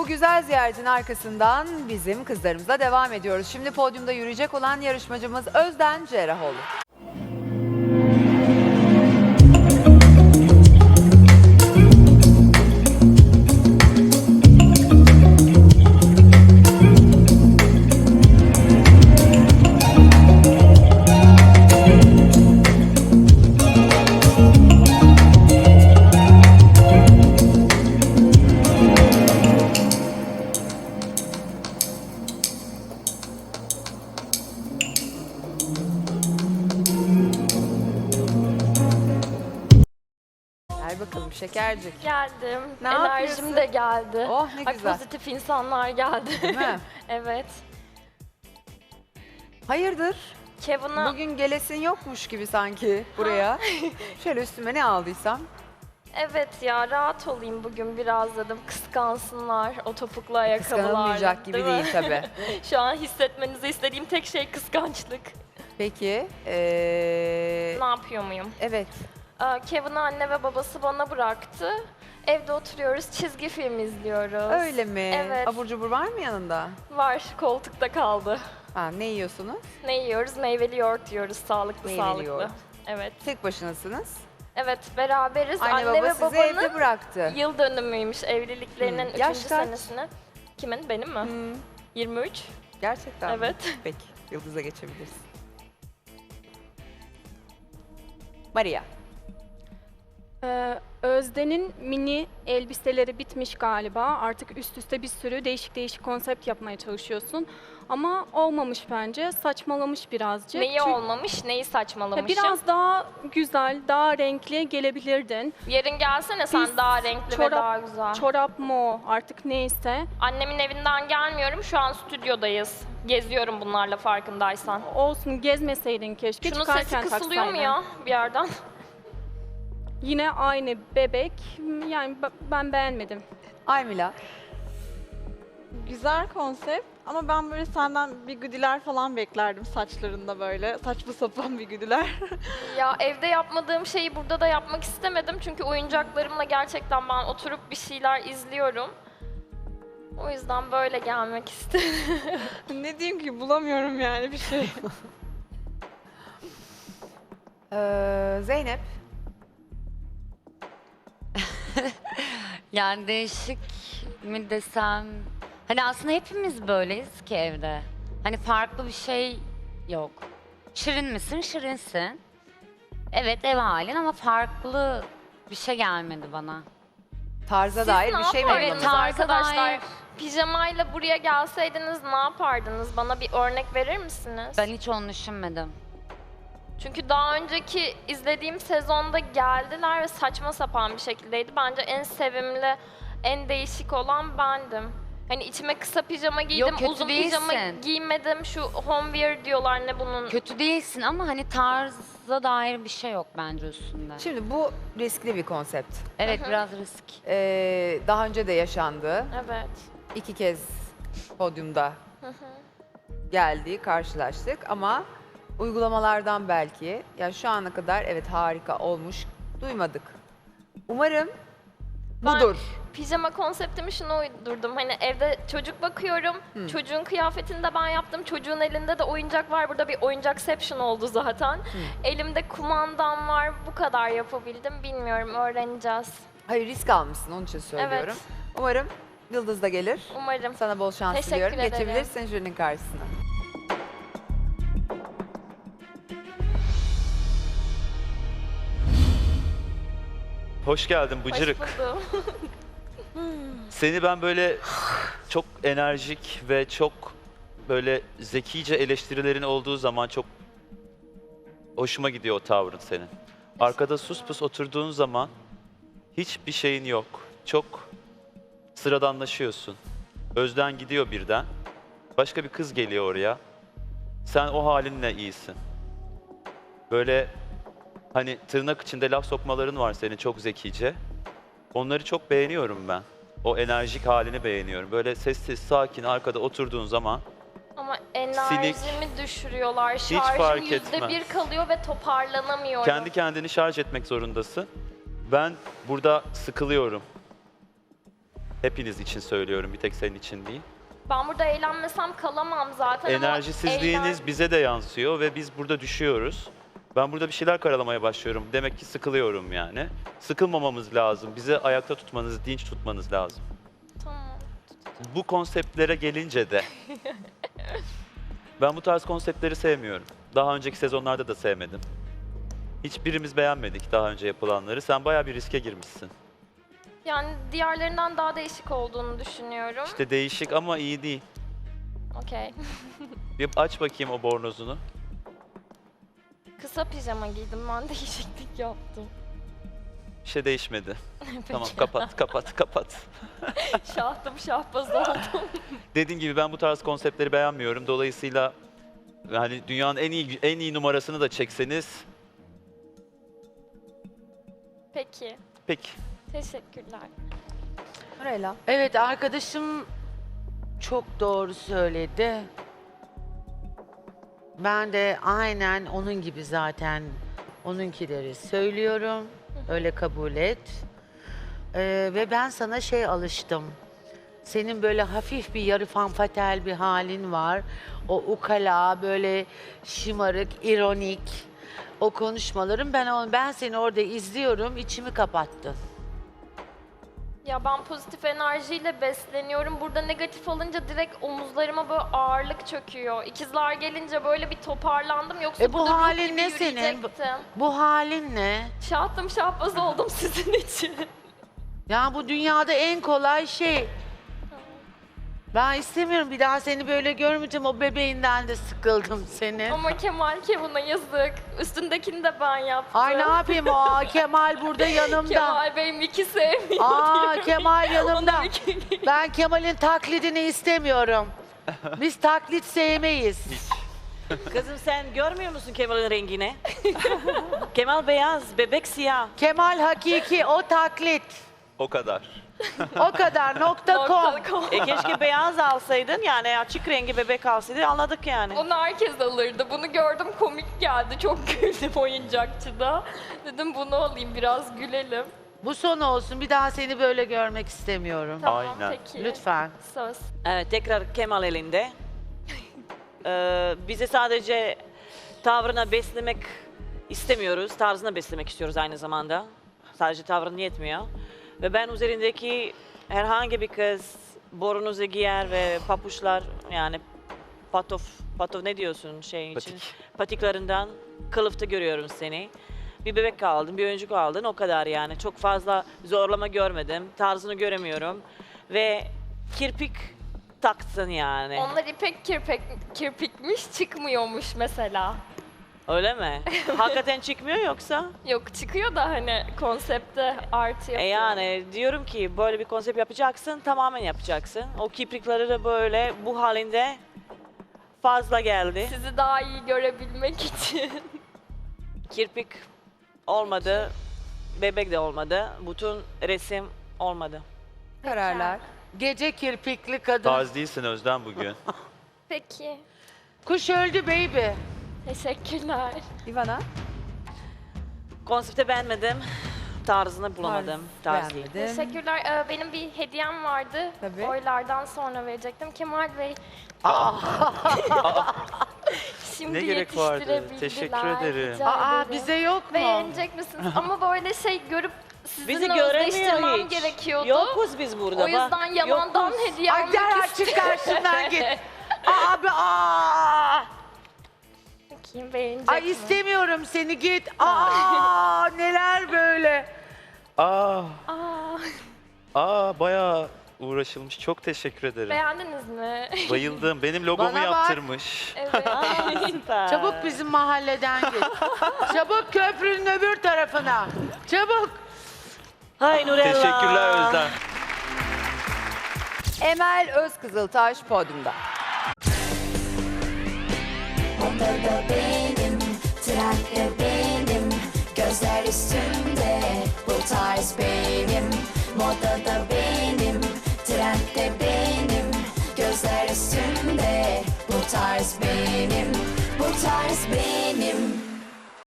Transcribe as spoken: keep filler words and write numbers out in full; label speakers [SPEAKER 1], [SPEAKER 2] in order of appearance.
[SPEAKER 1] güzel ziyaretin arkasından bizim kızlarımızla devam ediyoruz. Şimdi podyumda yürüyecek olan yarışmacımız Özden Cerrahoğlu. Gel bakalım şekercik.
[SPEAKER 2] Geldim.
[SPEAKER 1] Ne
[SPEAKER 2] Enerjim
[SPEAKER 1] yapıyorsun?
[SPEAKER 2] de geldi.
[SPEAKER 1] Oh ne
[SPEAKER 2] Ay,
[SPEAKER 1] güzel.
[SPEAKER 2] pozitif insanlar geldi.
[SPEAKER 1] Değil mi?
[SPEAKER 2] Evet.
[SPEAKER 1] Hayırdır?
[SPEAKER 2] Kevin'a
[SPEAKER 1] Bugün gelesin yokmuş gibi sanki buraya. Şöyle üstüme ne aldıysam.
[SPEAKER 2] evet ya rahat olayım bugün biraz dedim. Kıskansınlar o topuklu ayakkabılarla.
[SPEAKER 1] Kıskanılmayacak gibi
[SPEAKER 2] mi?
[SPEAKER 1] değil tabii.
[SPEAKER 2] Şu an hissetmenizi istediğim tek şey kıskançlık.
[SPEAKER 1] Peki. Ee,
[SPEAKER 2] Ne yapıyor muyum?
[SPEAKER 1] evet.
[SPEAKER 2] Ee, Kevin'i anne ve babası bana bıraktı. Evde oturuyoruz, çizgi film izliyoruz.
[SPEAKER 1] Öyle mi?
[SPEAKER 2] Evet.
[SPEAKER 1] Abur cubur var mı yanında?
[SPEAKER 2] Var, koltukta kaldı.
[SPEAKER 1] Ha, ne yiyorsunuz?
[SPEAKER 2] Ne yiyoruz? Meyveli yoğurt yiyoruz, sağlıklı
[SPEAKER 1] Meyveli
[SPEAKER 2] sağlıklı.
[SPEAKER 1] yoğurt.
[SPEAKER 2] Evet.
[SPEAKER 1] Tek başınasınız.
[SPEAKER 2] Evet, beraberiz.
[SPEAKER 1] Anne,
[SPEAKER 2] Anne,
[SPEAKER 1] baba
[SPEAKER 2] ve
[SPEAKER 1] sizi
[SPEAKER 2] babanın
[SPEAKER 1] evde bıraktı.
[SPEAKER 2] yıl dönümüymüş evliliklerinin
[SPEAKER 1] Hmm.
[SPEAKER 2] üçüncü
[SPEAKER 1] Yaş kaç?
[SPEAKER 2] senesini. Kimin? Benim mi?
[SPEAKER 1] Hmm,
[SPEAKER 2] yirmi üç.
[SPEAKER 1] gerçekten mi?
[SPEAKER 2] Evet.
[SPEAKER 1] Peki. Yıldız'a geçebilirsin. Maria.
[SPEAKER 3] Ee, Özden'in mini elbiseleri bitmiş galiba. Artık üst üste bir sürü değişik değişik konsept yapmaya çalışıyorsun. Ama olmamış bence. Saçmalamış birazcık.
[SPEAKER 2] Neyi
[SPEAKER 3] Çünkü-
[SPEAKER 2] olmamış, neyi
[SPEAKER 3] Ya
[SPEAKER 2] saçmalamışım?
[SPEAKER 3] biraz daha güzel, daha renkli gelebilirdin.
[SPEAKER 2] Yarın gelsene sen
[SPEAKER 3] Biz
[SPEAKER 2] daha renkli ve
[SPEAKER 3] çorap-
[SPEAKER 2] daha güzel.
[SPEAKER 3] Çorap mı o, artık neyse.
[SPEAKER 2] Annemin evinden gelmiyorum, şu an stüdyodayız. Geziyorum bunlarla farkındaysan.
[SPEAKER 3] Olsun, gezmeseydin keşke.
[SPEAKER 2] Şunun sesi
[SPEAKER 3] çıkarken
[SPEAKER 2] kısılıyor mu
[SPEAKER 3] taksaydın.
[SPEAKER 2] ya bir yerden?
[SPEAKER 3] Yine aynı bebek. Yani b- ben beğenmedim.
[SPEAKER 1] Aymila.
[SPEAKER 4] Güzel konsept ama ben böyle senden bir güdüler falan beklerdim saçlarında böyle. Saçma sapan bir güdüler.
[SPEAKER 2] Ya evde yapmadığım şeyi burada da yapmak istemedim. Çünkü oyuncaklarımla gerçekten ben oturup bir şeyler izliyorum. O yüzden böyle gelmek istedim.
[SPEAKER 4] Ne diyeyim ki bulamıyorum yani bir şey.
[SPEAKER 1] Ee, Zeynep.
[SPEAKER 5] Yani değişik mi desem... Hani aslında hepimiz böyleyiz ki evde. Hani farklı bir şey yok. Şirin misin? Şirinsin. Evet ev halin ama farklı bir şey gelmedi bana.
[SPEAKER 1] Tarza
[SPEAKER 2] Siz
[SPEAKER 1] dair
[SPEAKER 2] ne
[SPEAKER 1] bir şey mi
[SPEAKER 2] yapardınız
[SPEAKER 1] yapalım?
[SPEAKER 5] tarza
[SPEAKER 2] arkadaşlar?
[SPEAKER 5] dair-
[SPEAKER 2] Pijamayla buraya gelseydiniz ne yapardınız? Bana bir örnek verir misiniz?
[SPEAKER 5] Ben hiç onu düşünmedim.
[SPEAKER 2] Çünkü daha önceki izlediğim sezonda geldiler ve saçma sapan bir şekildeydi. Bence en sevimli, en değişik olan bendim. Hani içime kısa pijama giydim,
[SPEAKER 5] kötü
[SPEAKER 2] uzun pijama
[SPEAKER 5] değilsin.
[SPEAKER 2] giymedim. Şu homewear diyorlar ne bunun?
[SPEAKER 5] Kötü değilsin ama hani tarza dair bir şey yok bence üstünde.
[SPEAKER 1] Şimdi bu riskli bir konsept.
[SPEAKER 5] Evet
[SPEAKER 2] Hı hı.
[SPEAKER 5] biraz risk.
[SPEAKER 1] Ee, daha önce de yaşandı.
[SPEAKER 2] Evet.
[SPEAKER 1] İki kez podyumda geldi, karşılaştık ama uygulamalardan belki, yani şu ana kadar evet harika olmuş, duymadık. Umarım
[SPEAKER 2] Ben-
[SPEAKER 1] budur.
[SPEAKER 2] Pijama konseptimi şuna uydurdum. Hani evde çocuk bakıyorum.
[SPEAKER 1] Hı.
[SPEAKER 2] Çocuğun kıyafetini de ben yaptım. Çocuğun elinde de oyuncak var. Burada bir oyuncakception oldu zaten. Elimde kumandam var. Bu kadar yapabildim. Bilmiyorum. Öğreneceğiz.
[SPEAKER 1] Hayır, risk almışsın, onun için söylüyorum. Umarım Yıldız da gelir.
[SPEAKER 2] Umarım.
[SPEAKER 1] Sana bol şans
[SPEAKER 2] Teşekkür
[SPEAKER 1] diliyorum.
[SPEAKER 2] ederim.
[SPEAKER 1] Geçebilirsin jürinin karşısına.
[SPEAKER 6] Hoş geldin Bıcırık.
[SPEAKER 2] Hoş buldum.
[SPEAKER 6] Seni ben böyle çok enerjik ve çok böyle zekice eleştirilerin olduğu zaman çok hoşuma gidiyor o tavrın senin. Arkada sus pus oturduğun zaman hiçbir şeyin yok. Çok sıradanlaşıyorsun. Özden gidiyor birden. Başka bir kız geliyor oraya. Sen o halinle iyisin. Böyle hani tırnak içinde laf sokmaların var senin çok zekice. Onları çok beğeniyorum ben. O enerjik halini beğeniyorum. Böyle sessiz, sakin arkada oturduğun zaman
[SPEAKER 2] Ama enerjimi düşürüyorlar.
[SPEAKER 6] Hiç
[SPEAKER 2] Şarjım
[SPEAKER 6] fark
[SPEAKER 2] yüzde
[SPEAKER 6] etmez.
[SPEAKER 2] bir kalıyor ve toparlanamıyorum.
[SPEAKER 6] kendi kendini şarj etmek zorundasın. Ben burada sıkılıyorum. Hepiniz için söylüyorum, bir tek senin için değil.
[SPEAKER 2] Ben burada eğlenmesem kalamam zaten ama
[SPEAKER 6] Enerjisizliğiniz
[SPEAKER 2] eğlen-
[SPEAKER 6] bize de yansıyor ve biz burada düşüyoruz. Ben burada bir şeyler karalamaya başlıyorum. Demek ki sıkılıyorum yani. Sıkılmamamız lazım. Bizi ayakta tutmanız, dinç tutmanız lazım.
[SPEAKER 2] Tamam.
[SPEAKER 6] Bu konseptlere gelince de ben bu tarz konseptleri sevmiyorum. Daha önceki sezonlarda da sevmedim. Hiçbirimiz beğenmedik daha önce yapılanları. Sen bayağı bir riske girmişsin.
[SPEAKER 2] Yani diğerlerinden daha değişik olduğunu düşünüyorum.
[SPEAKER 6] İşte değişik ama iyi değil.
[SPEAKER 2] Okey.
[SPEAKER 6] Bir aç bakayım o bornozunu.
[SPEAKER 2] Kısa pijama giydim ben değişiklik yaptım.
[SPEAKER 6] Bir şey değişmedi.
[SPEAKER 2] Peki.
[SPEAKER 6] Tamam kapat, kapat, kapat.
[SPEAKER 2] Şahtım şahbaz oldum.
[SPEAKER 6] Dediğim gibi ben bu tarz konseptleri beğenmiyorum. Dolayısıyla yani dünyanın en iyi en iyi numarasını da çekseniz
[SPEAKER 2] Peki.
[SPEAKER 6] peki.
[SPEAKER 2] Teşekkürler.
[SPEAKER 1] Nurella.
[SPEAKER 7] Evet, arkadaşım çok doğru söyledi. Ben de aynen onun gibi zaten onunkileri söylüyorum. Öyle kabul et. Ee, ve ben sana şey alıştım. Senin böyle hafif bir yarı fanfatel bir halin var. O ukala, böyle şımarık, ironik o konuşmaların, ben onu ben seni orada izliyorum, içimi kapattın.
[SPEAKER 2] Ya ben pozitif enerjiyle besleniyorum. Burada negatif alınca direkt omuzlarıma böyle ağırlık çöküyor. İkizler gelince böyle bir toparlandım. Yoksa
[SPEAKER 7] E bu
[SPEAKER 2] burada ruh
[SPEAKER 7] halin
[SPEAKER 2] gibi
[SPEAKER 7] ne senin?
[SPEAKER 2] yürüyecektim.
[SPEAKER 7] Bu halin ne?
[SPEAKER 2] Şahtım şahbaz oldum sizin için.
[SPEAKER 7] Ya bu dünyada en kolay şey. Ben istemiyorum, bir daha seni böyle görmeyeceğim. O bebeğinden de sıkıldım senin.
[SPEAKER 2] Ama Kemal Kevin'a yazık. Üstündekini de ben yaptım.
[SPEAKER 7] Ay ne yapayım, o Kemal burada yanımda.
[SPEAKER 2] Kemal Bey Miki sevmiyor
[SPEAKER 7] Aa
[SPEAKER 2] diyorum.
[SPEAKER 7] Kemal yanımda.
[SPEAKER 2] Ona Miki-
[SPEAKER 7] Ben Kemal'in taklidini istemiyorum. Biz taklit sevmeyiz.
[SPEAKER 8] Kızım sen görmüyor musun Kemal'in rengini? Kemal beyaz, bebek siyah.
[SPEAKER 7] Kemal hakiki, o taklit.
[SPEAKER 6] O kadar.
[SPEAKER 7] O kadar, nokta com.
[SPEAKER 2] Nokta com.
[SPEAKER 8] E keşke beyaz alsaydın, yani açık rengi bebek alsaydın, anladık yani.
[SPEAKER 2] Onu herkes alırdı. Bunu gördüm komik geldi. Çok güldüm oyuncakçıda. Dedim bunu alayım biraz gülelim.
[SPEAKER 7] Bu son olsun, bir daha seni böyle görmek istemiyorum.
[SPEAKER 2] Tamam
[SPEAKER 6] Aynen.
[SPEAKER 2] peki.
[SPEAKER 7] Lütfen.
[SPEAKER 2] Söz.
[SPEAKER 8] Evet, tekrar Kemal elinde. Ee, bize sadece tavrına beslemek istemiyoruz, tarzına beslemek istiyoruz aynı zamanda. Sadece tavrın yetmiyor. Ve ben üzerindeki herhangi bir kız borunuzu giyer ve papuçlar, yani patof, patof ne diyorsun şey için?
[SPEAKER 6] Patik.
[SPEAKER 8] Patiklarından kılıfta görüyorum seni. Bir bebek aldın, bir oyuncak aldın, o kadar yani. Çok fazla zorlama görmedim, tarzını göremiyorum. Ve kirpik taktın yani.
[SPEAKER 2] Onlar ipek kirpik, kirpikmiş çıkmıyormuş mesela.
[SPEAKER 8] Öyle mi? Hakikaten çıkmıyor yoksa?
[SPEAKER 2] Yok çıkıyor da hani konsepte artı
[SPEAKER 8] E
[SPEAKER 2] yapıyor.
[SPEAKER 8] yani diyorum ki böyle bir konsept yapacaksın, tamamen yapacaksın. O kiprikleri de böyle bu halinde fazla geldi.
[SPEAKER 2] Sizi daha iyi görebilmek için.
[SPEAKER 8] Kirpik olmadı, bebek de olmadı, bütün resim olmadı.
[SPEAKER 1] Kararlar.
[SPEAKER 7] Gece kirpikli kadın.
[SPEAKER 6] Tarz değilsin Özlem bugün.
[SPEAKER 2] Peki.
[SPEAKER 7] Kuş öldü baby.
[SPEAKER 2] Teşekkürler.
[SPEAKER 1] Ivana.
[SPEAKER 8] Konsepti beğenmedim, tarzını bulamadım. Tarz değil.
[SPEAKER 1] Beğenmedin.
[SPEAKER 2] Teşekkürler. Ee, benim bir hediyem vardı.
[SPEAKER 1] Tabii.
[SPEAKER 2] Oylardan sonra verecektim. Kemal Bey. Şimdi
[SPEAKER 6] Ne gerek vardı?
[SPEAKER 2] yetiştirebildiler.
[SPEAKER 6] Teşekkür ederim.
[SPEAKER 2] Rica
[SPEAKER 7] Aa
[SPEAKER 2] ederim.
[SPEAKER 7] bize yok mu?
[SPEAKER 2] Beğenecek misiniz? Ama böyle şey görüp
[SPEAKER 8] Bizi
[SPEAKER 2] sizinle
[SPEAKER 8] göremiyor
[SPEAKER 2] özleştirmem
[SPEAKER 8] hiç.
[SPEAKER 2] gerekiyordu.
[SPEAKER 8] Yokuz biz burada.
[SPEAKER 2] O yüzden
[SPEAKER 8] bak.
[SPEAKER 2] yalandan
[SPEAKER 8] Yokuz.
[SPEAKER 2] hediye
[SPEAKER 7] Ay
[SPEAKER 2] almak
[SPEAKER 7] derhal çık
[SPEAKER 2] istedim.
[SPEAKER 7] karşımdan git. Abi aa.
[SPEAKER 2] Bakayım beğenecek
[SPEAKER 7] Ay
[SPEAKER 2] mi?
[SPEAKER 7] istemiyorum seni, git. Aa neler böyle.
[SPEAKER 6] Aa,
[SPEAKER 2] Aa,
[SPEAKER 6] aa bayağı uğraşılmış. Çok teşekkür ederim.
[SPEAKER 2] beğendiniz mi?
[SPEAKER 6] Bayıldım. Benim logomu
[SPEAKER 7] Bana bak.
[SPEAKER 6] yaptırmış.
[SPEAKER 2] Evet.
[SPEAKER 8] Aa, süper.
[SPEAKER 7] Çabuk bizim mahalleden git. Çabuk köprünün öbür tarafına. Çabuk.
[SPEAKER 8] Hay Nurella.
[SPEAKER 6] Teşekkürler Özlem.
[SPEAKER 1] Emel Özkızıltaş podyumda.
[SPEAKER 9] Odada benim, trende benim, gözler üstümde, bu tarz benim. Modada benim, trende benim, gözler üstümde, bu tarz benim, bu tarz benim.